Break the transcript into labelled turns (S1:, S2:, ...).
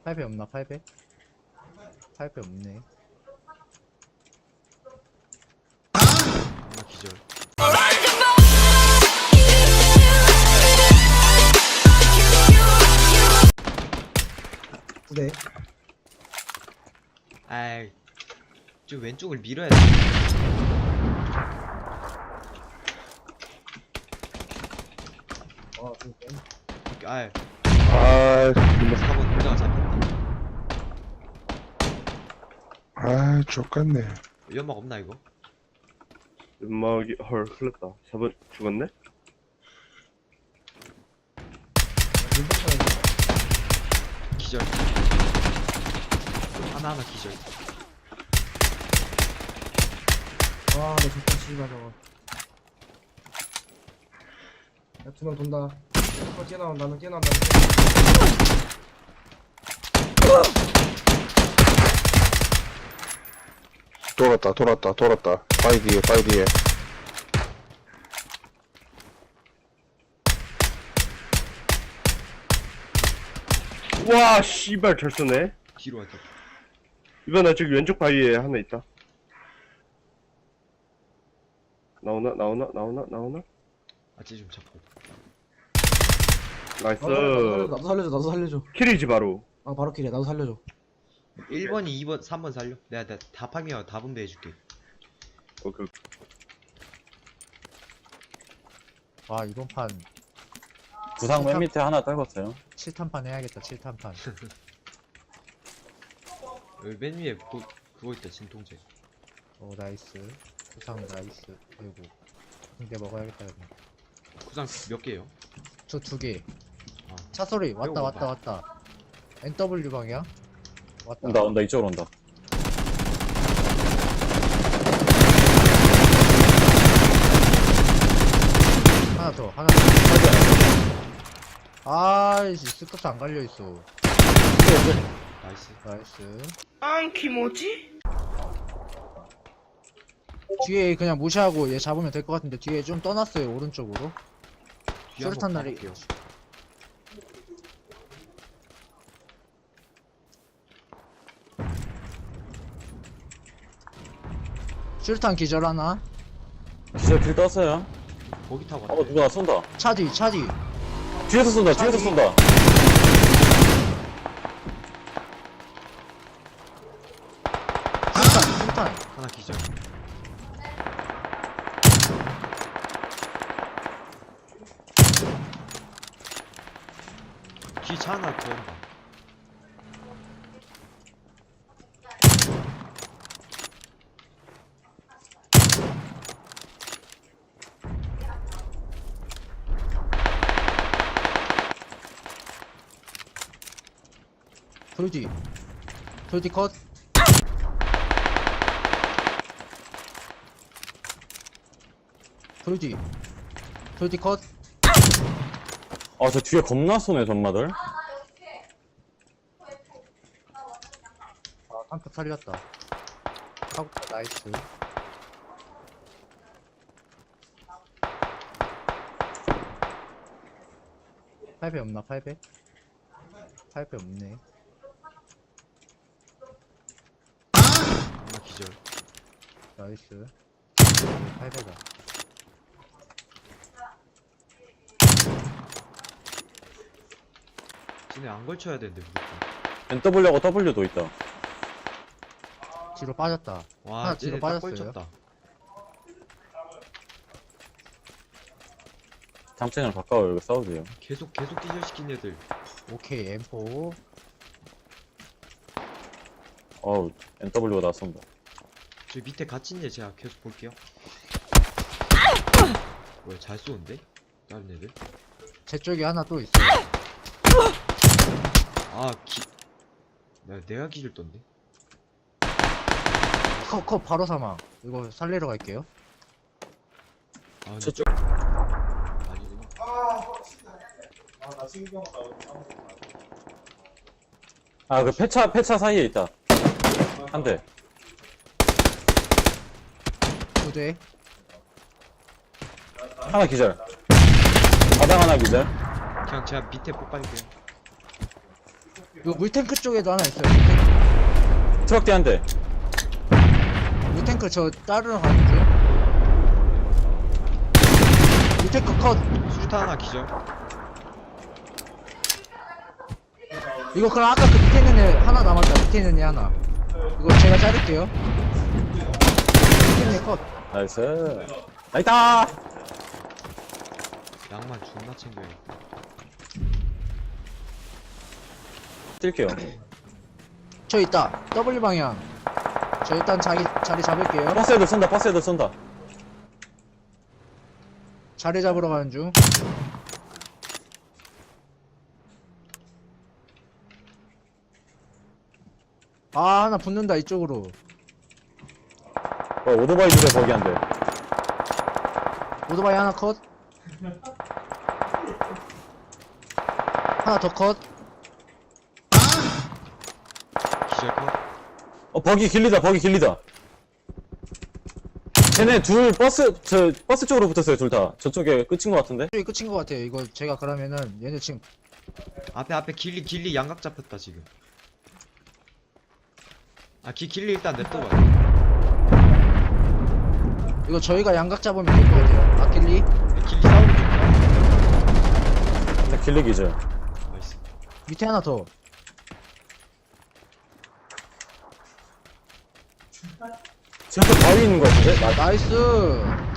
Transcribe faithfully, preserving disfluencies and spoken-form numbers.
S1: 팔배 없나? 팔배? 팔배 없네.
S2: 하나 기절.
S3: 네.
S2: 아이, 저 왼쪽을 밀어야 돼.
S3: 아, 그니까.
S2: 아이,
S4: 아, 정말.
S2: 사 번 혼자가 잡혔다.
S4: 아, 족같네.
S2: 연막 없나 이거?
S5: 연막이 헐 흘렀다. 사 번 죽었네?
S2: 기절. 하나 하나 기절.
S3: 와, 내 진짜 씨발 저거. 야, 두 명 돈다. 어, 뛰어나온다, 너 뛰어나온다.
S4: 돌았다, 돌았다, 돌았다. 바위 뒤에, 바위 뒤에.
S5: 와 씨발 잘 쏘네.
S2: 뒤로 왔다.
S5: 이번에 저기 왼쪽 바위에 하나 있다. 나오나 나오나 나오나 나오나?
S2: 아찌 좀 잡고.
S5: 나이스.
S3: 나도 살려줘, 나도 살려줘.
S5: 킬이지 바로.
S3: 아, 바로 킬이야, 나도 살려줘.
S2: 일 번이 이 번, 삼 번 살려. 내가, 내가 다 파밍하고 다 분배해줄게.
S5: 오케이.
S1: 아, 이번 판
S6: 구상 맨 밑에 하나 떨궜어요.
S1: 칠 탄판 해야겠다. 칠 탄판.
S2: 여기 맨 위에 그, 그거 있다, 진통제.
S1: 오, 나이스. 구상 나이스. 아이고. 근데 먹어야겠다. 여기.
S2: 구상 몇 개요?
S1: 저 두 개.
S2: 아.
S1: 차 소리. 왔다,
S2: 이거
S1: 왔다,
S2: 봐.
S1: 왔다. 엔더블유 방향. 왔다.
S6: 온다 온다 이쪽으로 온다.
S1: 하나 더, 하나 더. 아이씨, 스커스 안 갈려있어.
S2: 나이스.
S1: 나이스.
S7: 안키 뭐지?
S1: 뒤에 그냥 무시하고 얘 잡으면 될 것 같은데 뒤에 좀 떠났어요, 오른쪽으로.
S2: 뒤에 한번
S1: 수류탄 날이.
S2: 가볼게요.
S1: 수류탄 기절 하나.
S6: 기절 길 떴어요.
S2: 거기 타고
S6: 어
S2: 왔다.
S6: 누가 쏜다.
S1: 차 뒤, 차 뒤.
S6: 뒤에서 쏜다. 뒤에서
S1: 차지.
S6: 쏜다.
S1: 수류탄, 수류탄.
S2: 하나 기절. 뒤 차 하나 더 온다.
S1: 돌뒤. 돌뒤 컷. 돌뒤. 돌뒤 컷.
S6: 아 저 뒤에 겁나 쏘네 전마들.
S1: 아, 한 표 살렸다. 하고 나이스. 팔배 없나? 팔배? 팔배 없네.
S2: 하나 기절.
S1: 나이스. 팔배다.
S2: 쟤네 안 걸쳐야 되는데 무조건.
S6: 엔더블유하고 W도 있다.
S1: 뒤로 빠졌다.
S2: 와,
S1: 하나 뒤로
S2: 쟤네 딱
S1: 빠졌어요.
S2: 걸쳤다.
S6: 장땡을 바꿔요. 이거 싸우세요.
S2: 계속 계속 기절시킨 애들.
S1: 오케이, 엠포.
S6: 어우 엔더블유가 나 쏜다.
S2: 저 밑에 갇힌 애 제가 계속 볼게요. 뭐야, 잘 쏘는데? 다른 애들?
S1: 제 쪽에 하나 또 있어.
S2: 아, 기... 나, 내가 기절 떴네?
S1: 컷, 컷, 바로 사망. 이거 살리러 갈게요.
S2: 아, 근데
S6: 저쪽.
S2: 아니구나.
S6: 아 그 폐차 폐차 사이에 있다. 한 대.
S1: 두 대.
S6: 하나 기절. 바닥 하나 기절.
S2: 그냥 제가 밑에 폭발할게요.
S1: 이거 물탱크 쪽에도 하나 있어요. 물탱크,
S6: 트럭 뒤 한 대.
S1: 물탱크 저 따르러 가는 중. 물탱크 컷.
S2: 수류탄 하나 기절.
S1: 이거 그럼 아까 그 밑에 있는 애 하나 남았다. 밑에 있는 애 하나. 이거 제가 자를게요. 밑에 있는 애 컷.
S6: 나이스. 나이다!
S2: 양말 존나 챙겨야겠다.
S6: 뛸게요.
S1: 저 있다. W 방향. 저 일단 자기 자리 잡을게요.
S6: 버스 애들 쏜다, 버스 애들 쏜다.
S1: 자리 잡으러 가는 중. 아, 하나 붙는다 이쪽으로.
S6: 어, 오토바이 줄에 거기 한 대.
S1: 오토바이 하나 컷. 하나 더 컷.
S2: 기절 컷.
S6: 어, 버기 길리다, 버기 길리다. 쟤네 둘 버스, 저, 버스 쪽으로 붙었어요, 둘 다. 저쪽에 끝인 것 같은데?
S1: 이게 끝인 것 같아요. 이거 제가 그러면은 얘네 지금
S2: 앞에 앞에 길리 길리 양각 잡혔다 지금. 아 기, 길리 일단 냅둬봐.
S1: 이거 저희가 양각 잡으면 될 것 같아요. 아킬리.
S2: 길리 싸우는 중.
S6: 근데 길리 기절.
S2: 나이스.
S1: 밑에 하나 더.
S6: 쟤 앞에 바위 있는 것 같은데? 나,
S1: 나이스.